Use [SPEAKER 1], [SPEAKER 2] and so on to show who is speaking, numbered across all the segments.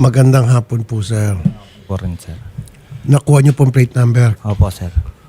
[SPEAKER 1] Magandang hapon po, sir.
[SPEAKER 2] Po rin, sir.
[SPEAKER 1] Nakuha niyo pong plate number.
[SPEAKER 2] Opo, sir.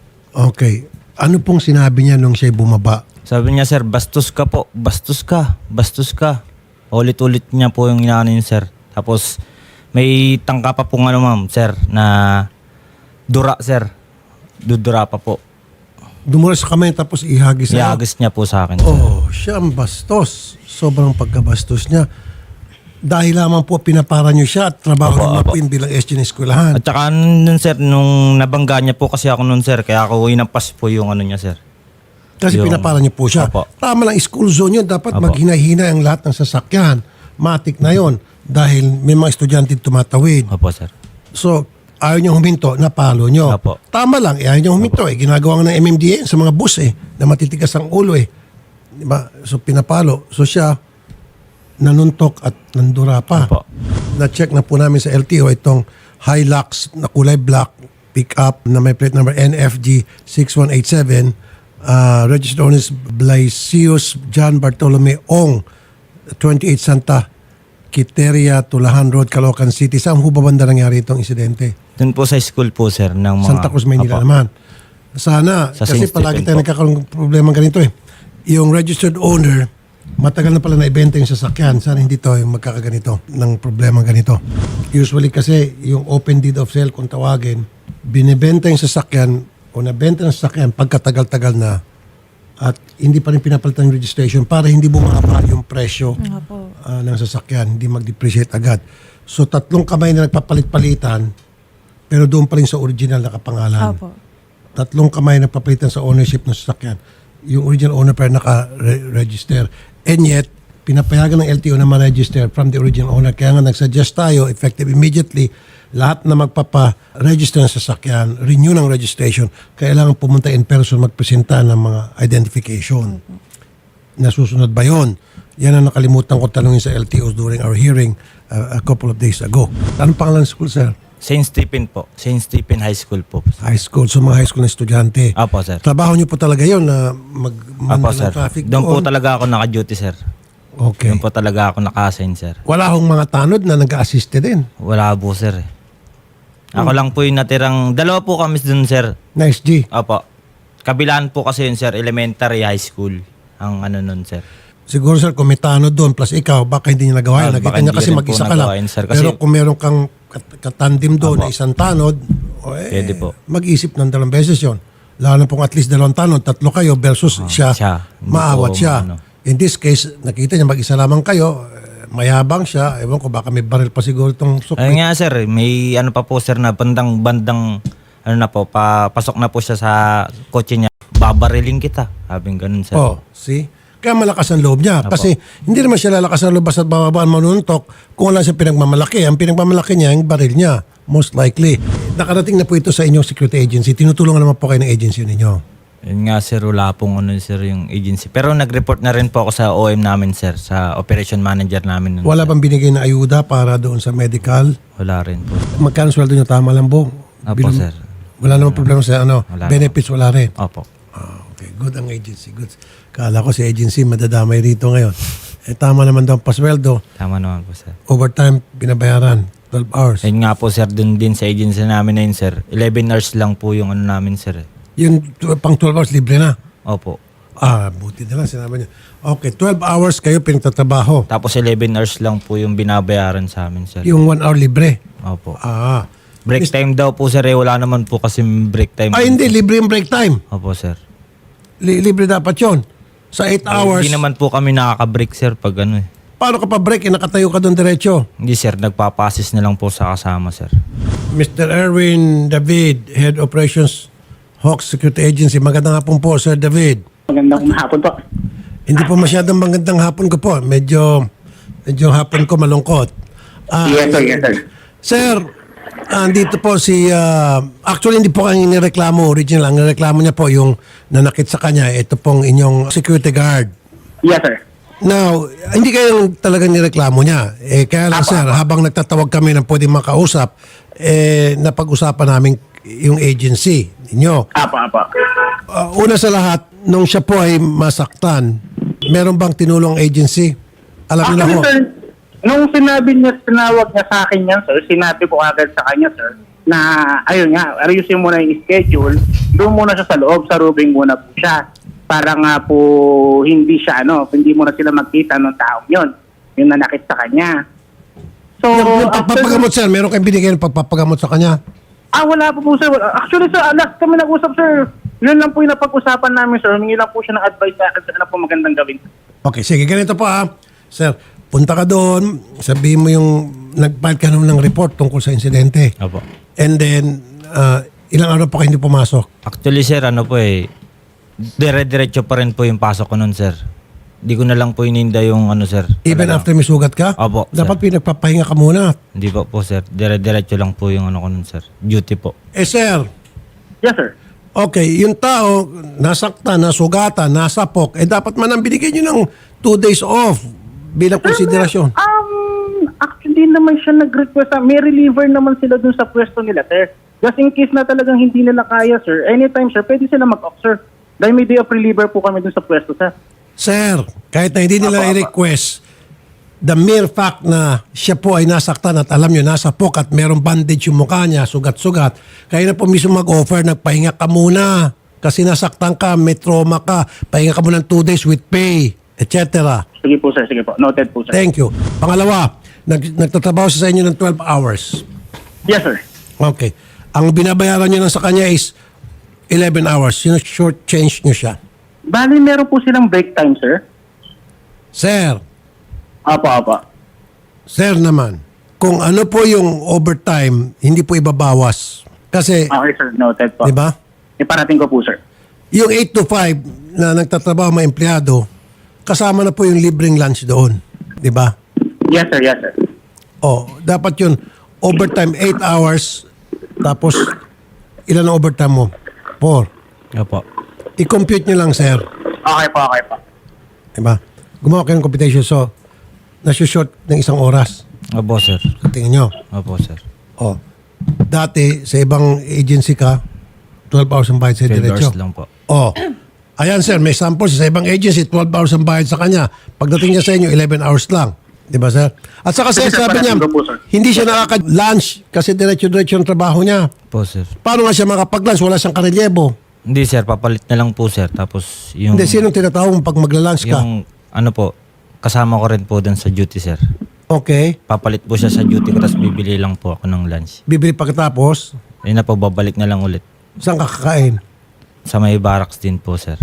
[SPEAKER 1] Okay. Ano pong sinabi niya nung siya'y bumaba?
[SPEAKER 2] Sabi niya, sir, bastos ka po. Bastos ka. Bastos ka. Ulit-ulit niya po yung inaano yun, sir. Tapos, may tangka pa pong ano, ma'am, sir, na dura, sir. Dudura pa po.
[SPEAKER 1] Dumura sa kamay tapos ihagis na.
[SPEAKER 2] Iagis niya po sa akin, sir.
[SPEAKER 1] Oh, siya ang bastos. Sobrang pagkabastos niya. Dahil lamang po pinapara niyo siya at trabaho
[SPEAKER 2] Opo,
[SPEAKER 1] ng
[SPEAKER 2] opo.
[SPEAKER 1] mapin bilang SG ng eskwelahan.
[SPEAKER 2] At saka nun, sir, nung nabangga niya po kasi ako nun, sir, kaya ako inampas po yung ano niya, sir.
[SPEAKER 1] Kasi
[SPEAKER 2] yung-
[SPEAKER 1] pinapara niyo po siya.
[SPEAKER 2] Opo.
[SPEAKER 1] Tama lang, school zone yun. Dapat
[SPEAKER 2] Opo.
[SPEAKER 1] maghina-hina ang lahat ng sasakyan. Matik na yon. Dahil may mga estudyante tumatawid.
[SPEAKER 2] Opo, sir.
[SPEAKER 1] So, ayaw niyong huminto, napalo niyo.
[SPEAKER 2] Opo.
[SPEAKER 1] Tama lang, ayaw niyong huminto. Ginagawa nga ng MMDA sa mga bus na matitigas ang ulo Diba? So, pinapalo. So, siya, nanuntok at nandura pa.
[SPEAKER 2] Opo.
[SPEAKER 1] Na-check na po namin sa LTO itong Hilux na kulay black pick-up na may plate number NFG 6187. Registered owners Blaisius John Bartolome Ong, 28 Santa Quiteria, Tulahan Road, Caloocan City. Saan ho ba banda nangyari itong insidente?
[SPEAKER 2] Dun po sa school po, sir, ng mga...
[SPEAKER 1] Santa Cruz, Maynila
[SPEAKER 2] Opo.
[SPEAKER 1] naman. Sana,
[SPEAKER 2] Sa
[SPEAKER 1] kasi
[SPEAKER 2] Saint
[SPEAKER 1] palagi
[SPEAKER 2] Stephen
[SPEAKER 1] tayo
[SPEAKER 2] po.
[SPEAKER 1] nagkakaroon ng problema ganito Yung registered owner, matagal na pala na-ibenta yung sasakyan. Sana hindi to yung magkakaganito ng problema ganito. Usually kasi yung open deed of sale kung tawagin, binibenta yung sasakyan o nabenta ng sasakyan pagkatagal-tagal na at hindi pa rin pinapalitan yung registration para hindi bumaba yung presyo ng sasakyan, hindi mag-depreciate agad. So tatlong kamay na nagpapalit-palitan pero doon pa rin sa original na kapangalan.
[SPEAKER 3] Opo.
[SPEAKER 1] Tatlong kamay na papalitan sa ownership ng sasakyan. Yung original owner pa rin naka-register. And yet, pinapayagan ng LTO na ma-register from the original owner. Kaya nga nagsuggest tayo, effective immediately, lahat na magpapa-register ng sasakyan, renew ng registration, kailangan pumunta in person, magpresenta ng mga identification. Nasusunod ba yun? Yan ang nakalimutan ko tanungin sa LTO during our hearing a couple of days ago. Anong pangalan ng school, sir?
[SPEAKER 2] St. Stephen po. St. Stephen High School po.
[SPEAKER 1] High school. So mga high school na estudyante.
[SPEAKER 2] Apo, sir.
[SPEAKER 1] Trabaho niyo po talaga yun na
[SPEAKER 2] Apo,
[SPEAKER 1] mag-manda
[SPEAKER 2] sir.
[SPEAKER 1] ng traffic
[SPEAKER 2] Doon po
[SPEAKER 1] doon?
[SPEAKER 2] talaga ako naka-duty, sir.
[SPEAKER 1] Okay.
[SPEAKER 2] Doon po talaga ako naka-assign, sir.
[SPEAKER 1] Wala hong mga tanod na nag-assist din.
[SPEAKER 2] Wala po, sir. Ako lang po yung natirang... Dalawa po kami doon, sir.
[SPEAKER 1] Nice G.
[SPEAKER 2] Opo. Kabilaan po kasi yun, sir. Elementary, high school. Ang ano nun, sir.
[SPEAKER 1] Siguro sir, kung may tanod doon plus ikaw, baka hindi niya nagawa yun.
[SPEAKER 2] Ah,
[SPEAKER 1] Nakita
[SPEAKER 2] baka
[SPEAKER 1] niya
[SPEAKER 2] hindi
[SPEAKER 1] kasi
[SPEAKER 2] rin po
[SPEAKER 1] mag-isa ka lang.
[SPEAKER 2] nagawa yun, sir. Kasi-
[SPEAKER 1] Pero kung meron kang katandim doon na
[SPEAKER 2] Apo.
[SPEAKER 1] isang tanod,
[SPEAKER 2] Pwede po.
[SPEAKER 1] mag-isip ng dalawang beses yun. Lalo na pong at least dalawang tanod, tatlo kayo versus siya,
[SPEAKER 2] siya. Hindi
[SPEAKER 1] maawat
[SPEAKER 2] po,
[SPEAKER 1] siya.
[SPEAKER 2] ano.
[SPEAKER 1] In this case, nakita niya mag-isa lamang kayo, mayabang siya. Ewan ko, baka may baril pa siguro itong
[SPEAKER 2] Ayun
[SPEAKER 1] sukli.
[SPEAKER 2] nga, sir. May ano pa po, sir, na bandang ano na po, pasok na po siya sa kotse niya. Babariling kita. Sabi ganun, sir.
[SPEAKER 1] Oh, see? Kaya malakas ang loob niya.
[SPEAKER 2] Apo.
[SPEAKER 1] Kasi hindi naman siya lalakas ang loob basta bababaan manuntok kung wala siya pinagmamalaki. Ang pinagmamalaki niya, yung baril niya. Most likely. Nakarating na po ito sa inyong security agency. Tinutulungan naman po kayo ng agency ninyo.
[SPEAKER 2] Yun nga, sir. Wala pong ano, sir, yung agency. Pero nag-report na rin po ako sa OM namin, sir. Sa operation manager namin. Nun,
[SPEAKER 1] Wala
[SPEAKER 2] sir.
[SPEAKER 1] bang binigay na ayuda para doon sa medical?
[SPEAKER 2] Wala rin po.
[SPEAKER 1] Magkano sweldo niyo? Tama lang po?
[SPEAKER 2] Opo, sir.
[SPEAKER 1] Wala namang problema sa
[SPEAKER 2] Wala
[SPEAKER 1] benefits, wala rin.
[SPEAKER 2] Opo.
[SPEAKER 1] Okay, good ang agency. Good. Kala ko si agency madadamay rito ngayon. Tama naman daw ang pasweldo.
[SPEAKER 2] Tama naman po, sir.
[SPEAKER 1] Overtime, binabayaran. 12 hours.
[SPEAKER 2] Ayun nga po, sir. Dun din sa agency namin na yun, sir. 11 hours lang po yung ano namin, sir.
[SPEAKER 1] Yung pang 12 hours, libre na.
[SPEAKER 2] Opo.
[SPEAKER 1] Buti na lang sinabi niya. Okay, 12 hours kayo pinagtatrabaho.
[SPEAKER 2] Tapos 11 hours lang po yung binabayaran sa amin, sir.
[SPEAKER 1] Yung 1 hour libre.
[SPEAKER 2] Opo.
[SPEAKER 1] Mis-
[SPEAKER 2] Break time daw po, sir. Wala naman po kasi break time.
[SPEAKER 1] Hindi, libre yung break time.
[SPEAKER 2] Opo, sir.
[SPEAKER 1] Libre dapat yon. Sa 8 hours,
[SPEAKER 2] Hindi naman po kami nakaka-break, sir, pag ano eh.
[SPEAKER 1] paano ka pa break? Nakatayo ka doon diretso.
[SPEAKER 2] Hindi, sir. Nagpapasis na lang po sa kasama, sir.
[SPEAKER 1] Mr. Erwin David, Head Operations Hawks Security Agency. Magandang hapon po, Sir David.
[SPEAKER 4] Magandang hapon po.
[SPEAKER 1] Hindi po masyadong magandang hapon ko po. Medyo hapon ko malungkot.
[SPEAKER 4] Yes, sir. Yes, sir.
[SPEAKER 1] Sir, andito po si... actually, hindi po kayo nireklamo original. Ang nireklamo niya po yung nanakit sa kanya. Ito pong inyong security guard.
[SPEAKER 4] Yes, sir.
[SPEAKER 1] Now, hindi kayo talagang nireklamo niya. Kaya lang, sir, habang nagtatawag kami ng pwedeng makausap, napag-usapan namin yung agency ninyo.
[SPEAKER 4] Apa.
[SPEAKER 1] Una sa lahat, nung siya po ay masaktan, meron bang tinulong agency? Alam niyo na ho.
[SPEAKER 4] Actually, sir, Nung tinawag niya sa akin yan, sir, sinabi ko agad sa kanya, sir, na ayun nga, ayusin mo na yung schedule, doon muna siya sa loob, sa rooming muna po siya. Para nga po hindi siya, hindi muna sila magkita ng taong yun, yung nanakit sa kanya. So,
[SPEAKER 1] Yung pagpapagamot, sir, meron kayong binigay ng pagpapagamot sa kanya?
[SPEAKER 4] wala po sir. Actually, sir, last kami nag-usap, sir. Yun lang po yung napag-usapan namin, sir. Humingi lang po siya ng advice sa akin sa ano po magandang gawin.
[SPEAKER 1] Okay, sige, ganito po Sir, punta ka doon, sabihin mo yung nag-file ka naman ng report tungkol sa insidente.
[SPEAKER 2] Opo.
[SPEAKER 1] And then, ilang araw pa kayo hindi pumasok?
[SPEAKER 2] Actually, sir, dire-diretso pa rin po yung pasok ko nun, sir. Di ko na lang po ininda yung sir.
[SPEAKER 1] Even
[SPEAKER 2] Talaga.
[SPEAKER 1] after may sugat ka?
[SPEAKER 2] Opo, sir.
[SPEAKER 1] Dapat pinagpapahinga ka muna.
[SPEAKER 2] Hindi po, sir. Dire-diretso lang po yung ko nun, sir. Duty po.
[SPEAKER 1] Sir,
[SPEAKER 4] Yes, sir.
[SPEAKER 1] okay, yung tao, nasaktan, nasugatan, nasapok, dapat man ang binigay nyo ng 2 days off bilang konsiderasyon.
[SPEAKER 4] Actually naman siya nag-request. May reliever naman sila dun sa pwesto nila, sir. Just in case na talagang hindi nila kaya, sir. Anytime, sir, pwede sila mag-off, sir. Dahil may day of reliever po kami dun sa pwesto, sir.
[SPEAKER 1] Sir, kahit na hindi nila i-request, the mere fact na siya po ay nasaktan at alam nyo, nasapok at merong bandage yung mukha niya, sugat-sugat, kayo na po mismo mag-offer, nagpahinga ka muna. Kasi nasaktan ka, may trauma ka, pahinga ka muna ng 2 days with pay, etc.
[SPEAKER 4] Sige po, sir. Sige po. Noted po, sir.
[SPEAKER 1] Thank you. Pangalawa, nagtatrabaho siya sa inyo ng 12 hours.
[SPEAKER 4] Yes, sir.
[SPEAKER 1] Okay. Ang binabayaran nyo lang sa kanya is 11 hours. Sino short change nyo siya?
[SPEAKER 4] Bali, meron po silang break time, sir.
[SPEAKER 1] Sir,
[SPEAKER 4] Apa.
[SPEAKER 1] sir naman, kung ano po yung overtime, hindi po ibabawas. Kasi,
[SPEAKER 4] Okay, sir. Noted po.
[SPEAKER 1] di ba?
[SPEAKER 4] Iparating ko po, sir.
[SPEAKER 1] Yung 8 to 5 na nagtatrabaho mga empleyado, kasama na po yung libreng lunch doon. Di ba?
[SPEAKER 4] Yes, sir. Yes, sir.
[SPEAKER 1] Dapat yun, overtime 8 hours, tapos ilan ang overtime mo? 4.
[SPEAKER 2] Opo.
[SPEAKER 1] I-compute nyo lang, sir.
[SPEAKER 4] Okay po.
[SPEAKER 1] Diba? Gumawa kayo ng computation. So, nasushort ng 1 oras.
[SPEAKER 2] Opo, sir.
[SPEAKER 1] So, tingin nyo.
[SPEAKER 2] Opo, sir.
[SPEAKER 1] Dati, sa ibang agency ka, 12 hours ang bayad sa
[SPEAKER 2] 12
[SPEAKER 1] diretso.
[SPEAKER 2] hours lang po.
[SPEAKER 1] Ayan, sir, may sample sa ibang agency, 12 hours ang bayad sa kanya. Pagdating niya sa inyo, 11 hours lang. Diba, sir? At saka, sir,
[SPEAKER 4] Sige, sir,
[SPEAKER 1] sabi niya,
[SPEAKER 4] parating ko po, sir.
[SPEAKER 1] hindi siya nakaka-lunch kasi diretso-diretso ang trabaho niya.
[SPEAKER 2] Po, sir.
[SPEAKER 1] Paano nga siya makapag-lunch? Wala siyang karelyebo.
[SPEAKER 2] Hindi, sir. Papalit na lang po, sir. Tapos yung...
[SPEAKER 1] Hindi, sinong tinatawag mo pag magla-lunch ka?
[SPEAKER 2] Yung kasama ko rin po dun sa duty, sir.
[SPEAKER 1] Okay.
[SPEAKER 2] Papalit po siya sa duty ko, tapos bibili lang po ako ng lunch.
[SPEAKER 1] Bibili pagkatapos,
[SPEAKER 2] Yun na po, babalik na lang ulit.
[SPEAKER 1] saan ka kakain?
[SPEAKER 2] Sa may barracks din po, sir.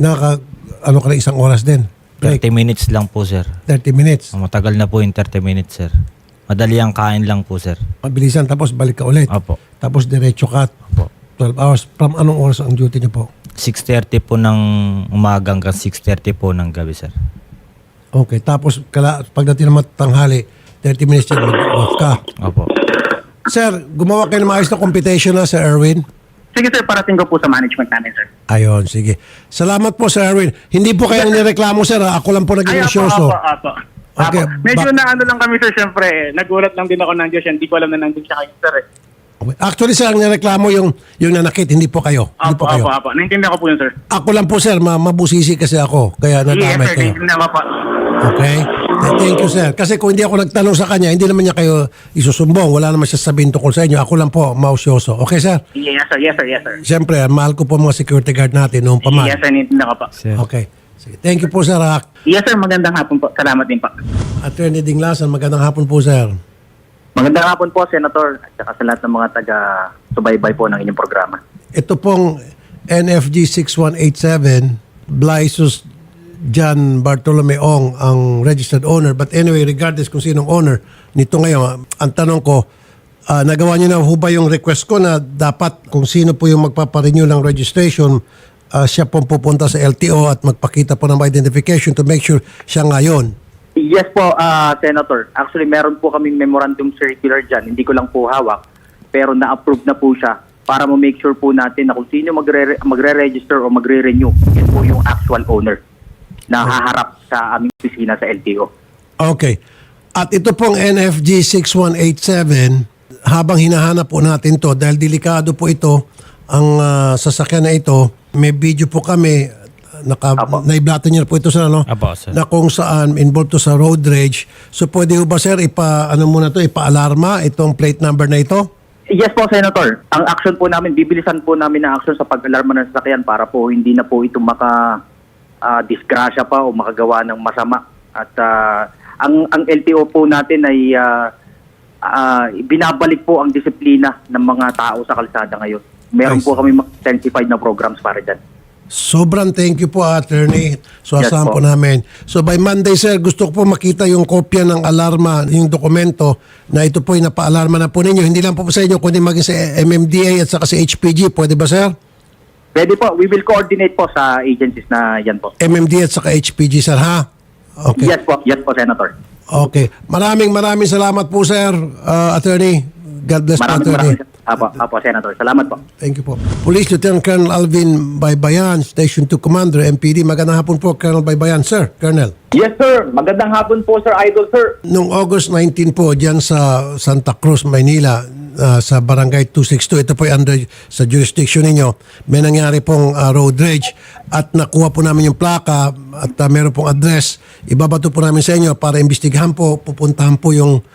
[SPEAKER 1] Ano ka na 1 oras din? Break.
[SPEAKER 2] 30 minutes lang po, sir.
[SPEAKER 1] 30 minutes.
[SPEAKER 2] Matagal na po yung 30 minutes, sir. Madali ang kain lang po, sir.
[SPEAKER 1] Mabilisan, tapos balik ka ulit.
[SPEAKER 2] Opo.
[SPEAKER 1] Tapos diretso ka.
[SPEAKER 2] Opo.
[SPEAKER 1] 12 hours. From anong oras ang duty niyo po?
[SPEAKER 2] 6:30 po ng umaga hanggang 6:30 po ng gabi, sir.
[SPEAKER 1] Okay. Tapos pagdating naman tanghali, 30 minutes yan, mag-off ka.
[SPEAKER 2] Opo.
[SPEAKER 1] Sir, gumawa kayo ng maayos na computation na, Sir Erwin.
[SPEAKER 4] Sige, sir. Parating ko po sa management namin, sir.
[SPEAKER 1] Ayun, sige. Salamat po, Sir Erwin. Hindi po kayo nireklamo, sir. Ako lang po naging isyoso.
[SPEAKER 4] Apo.
[SPEAKER 1] Okay,
[SPEAKER 4] Medyo na lang kami, sir, syempre. Nagulat lang din ako ng Diyos. Hindi ko alam na nandun siya kayo, sir.
[SPEAKER 1] Actually, sir, ang nireklamo yung nanakit, hindi po kayo. Hindi po kayo.
[SPEAKER 4] Apo. Naintindihan ko po yun, sir.
[SPEAKER 1] Ako lang po, sir. Mabusisi kasi ako. Kaya
[SPEAKER 4] Yes,
[SPEAKER 1] nadamay
[SPEAKER 4] sir.
[SPEAKER 1] kayo.
[SPEAKER 4] Naintindihan ko po.
[SPEAKER 1] Okay? Thank you, sir. Kasi kung hindi ako nagtanong sa kanya, hindi naman niya kayo isusumbong. Wala naman siya sabihin tungkol sa inyo. Ako lang po, mausyoso. Okay, sir?
[SPEAKER 4] Yes, sir. Yes, sir. Yes, sir.
[SPEAKER 1] Siyempre, mahal ko po mga security guard natin noong pa man.
[SPEAKER 4] Yes, sir. Naintindihan ko po.
[SPEAKER 2] Sir.
[SPEAKER 1] Okay. Sige. Thank you po, sir.
[SPEAKER 4] Yes, sir. Magandang hapon po. Salamat din po.
[SPEAKER 1] Attorney Dinglasan, magandang hapon po, sir.
[SPEAKER 3] Magandang hapon po, Senator, at saka sa lahat ng mga taga-subaybay po ng inyong programa.
[SPEAKER 1] Ito pong NFG 6187, Blaisus John Bartolome Ong ang registered owner. But anyway, regardless kung sinong owner nito ngayon, ang tanong ko, nagawa niyo na ho ba yung request ko na dapat kung sino po yung magpaparenew ng registration, siya pong pupunta sa LTO at magpakita po ng identification to make sure siya ngayon?
[SPEAKER 3] Yes po, Senator. Actually, meron po kaming memorandum circular dyan. Hindi ko lang po hawak, pero na-approve na po siya para ma-make sure po natin na kung sino magre-register o magre-renew, yun po yung actual owner na haharap sa aming opisina sa LTO.
[SPEAKER 1] Okay. At ito pong NFG 6187, habang hinahanap po natin to, dahil delikado po ito, ang sasakyan na ito, may video po kami
[SPEAKER 3] Apo.
[SPEAKER 1] naiblato niyo na po ito sir, no?
[SPEAKER 2] Apo, sir.
[SPEAKER 1] Na kung saan involved to sa road rage. So pwede ho ba sir, ipa-alarma itong plate number na ito?
[SPEAKER 3] Yes po, Senator. Ang action po namin, bibilisan po namin ang action sa pag-alarma ng sasakyan para po hindi na po ito disgrasya pa o makagawa ng masama. At ang LTO po natin ay binabalik po ang disiplina ng mga tao sa kalsada ngayon. Meron
[SPEAKER 1] Nice.
[SPEAKER 3] po kami intensified na programs para dyan.
[SPEAKER 1] Sobrang thank you po, attorney. So
[SPEAKER 3] Yes
[SPEAKER 1] asahan po
[SPEAKER 3] po.
[SPEAKER 1] namin. So by Monday sir, gusto ko po makita yung kopya ng alarma, yung dokumento na ito po yung napa-alarma na po ninyo. Hindi lang po sa inyo, kundi maging sa MMDA at saka sa HPG. Pwede ba sir?
[SPEAKER 3] Pwede po, we will coordinate po sa agencies na yan po.
[SPEAKER 1] MMDA at saka HPG sir, ha? Okay.
[SPEAKER 3] Yes po, Senator.
[SPEAKER 1] Okay. Maraming salamat po sir, attorney. God bless po, attorney.
[SPEAKER 3] Apo, Senator. Salamat po.
[SPEAKER 1] Thank you po. Police Lieutenant Colonel Alvin Baybayan, Station 2 Commander, MPD. Magandang hapon po, Colonel Baybayan. Sir, Colonel.
[SPEAKER 5] Yes, sir. Magandang hapon po, Sir Idol, sir.
[SPEAKER 1] Noong August 19 po, dyan sa Santa Cruz, Maynila, sa Barangay 262, ito po ay under sa jurisdiction ninyo, may nangyari pong road rage at nakuha po namin yung plaka at meron pong address. Ibabato po namin sa inyo para imbestigahan po, pupuntahan po yung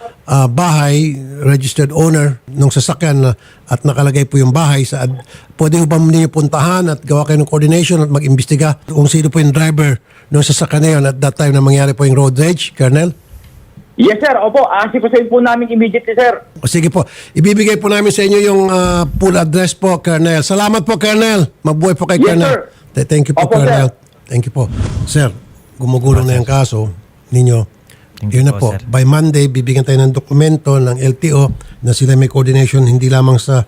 [SPEAKER 1] bahay, registered owner ng sasakyan at nakalagay po yung bahay. Pwede po ba ninyo puntahan at gawa kayo ng coordination at mag-imbestiga kung sino po yung driver ng sasakyan na yun at that time na mangyari po yung road rage, Colonel?
[SPEAKER 5] Yes, sir. Opo, asipasayin po namin immediately, sir.
[SPEAKER 1] O sige po, ibibigay po namin sa inyo yung full address po, Colonel. Salamat po, Colonel. Mabuhay po kay
[SPEAKER 5] Yes,
[SPEAKER 1] Colonel.
[SPEAKER 5] sir.
[SPEAKER 1] Thank you po,
[SPEAKER 5] Opo,
[SPEAKER 1] Colonel.
[SPEAKER 5] sir.
[SPEAKER 1] Thank you po. Sir, gumugulong na yung kaso ninyo.
[SPEAKER 2] Thank
[SPEAKER 1] Yun
[SPEAKER 2] you
[SPEAKER 1] na
[SPEAKER 2] po,
[SPEAKER 1] po.
[SPEAKER 2] sir.
[SPEAKER 1] By Monday, bibigyan tayo ng dokumento ng LTO na sila may coordination hindi lamang sa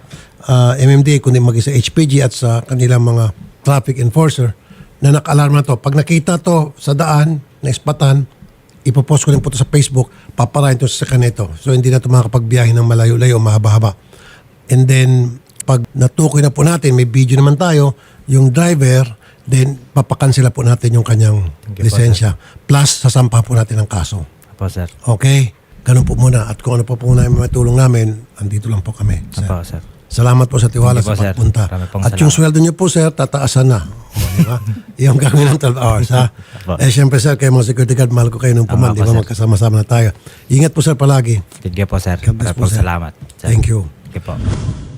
[SPEAKER 1] MMDA kundi maging sa HPG at sa kanilang mga traffic enforcer na naka-alarm na to. Pag nakita to sa daan, na ispatan, ipopost ko rin po to sa Facebook, paparahin to sa kanito. So hindi na ito makakapagbiyahe ng malayo-layo, mahaba-haba. And then, pag natukoy na po natin, may video naman tayo, yung driver, then papakansela po natin yung kanyang
[SPEAKER 2] Thank you po,
[SPEAKER 1] lisensya. Plus, sasampa po natin ang kaso.
[SPEAKER 2] Apo, sir.
[SPEAKER 1] Okay? Ganun po muna. At kung ano pa po namin matulong namin, andito lang po kami. Sir.
[SPEAKER 2] Apo, sir.
[SPEAKER 1] Salamat po sa tiwala
[SPEAKER 2] Thank you
[SPEAKER 1] sa
[SPEAKER 2] po, sir.
[SPEAKER 1] pagpunta.
[SPEAKER 2] Marami pong
[SPEAKER 1] At yung
[SPEAKER 2] salamat.
[SPEAKER 1] sweldo niyo po, sir, tataasan na. O, di ba? Yung gagawin ng 12 hours, ha?
[SPEAKER 2] Apo.
[SPEAKER 1] Syempre, sir, kayo mga security guard, mahal ko kayo nung puman.
[SPEAKER 2] Tama
[SPEAKER 1] Di
[SPEAKER 2] po,
[SPEAKER 1] ba?
[SPEAKER 2] sir.
[SPEAKER 1] Magkasama-sama na tayo. Ingat po, sir, palagi.
[SPEAKER 2] Thank you po, sir.
[SPEAKER 1] God bless
[SPEAKER 2] Maraming
[SPEAKER 1] po, sir.
[SPEAKER 2] salamat. Sir.
[SPEAKER 1] Thank you.
[SPEAKER 2] Thank you po.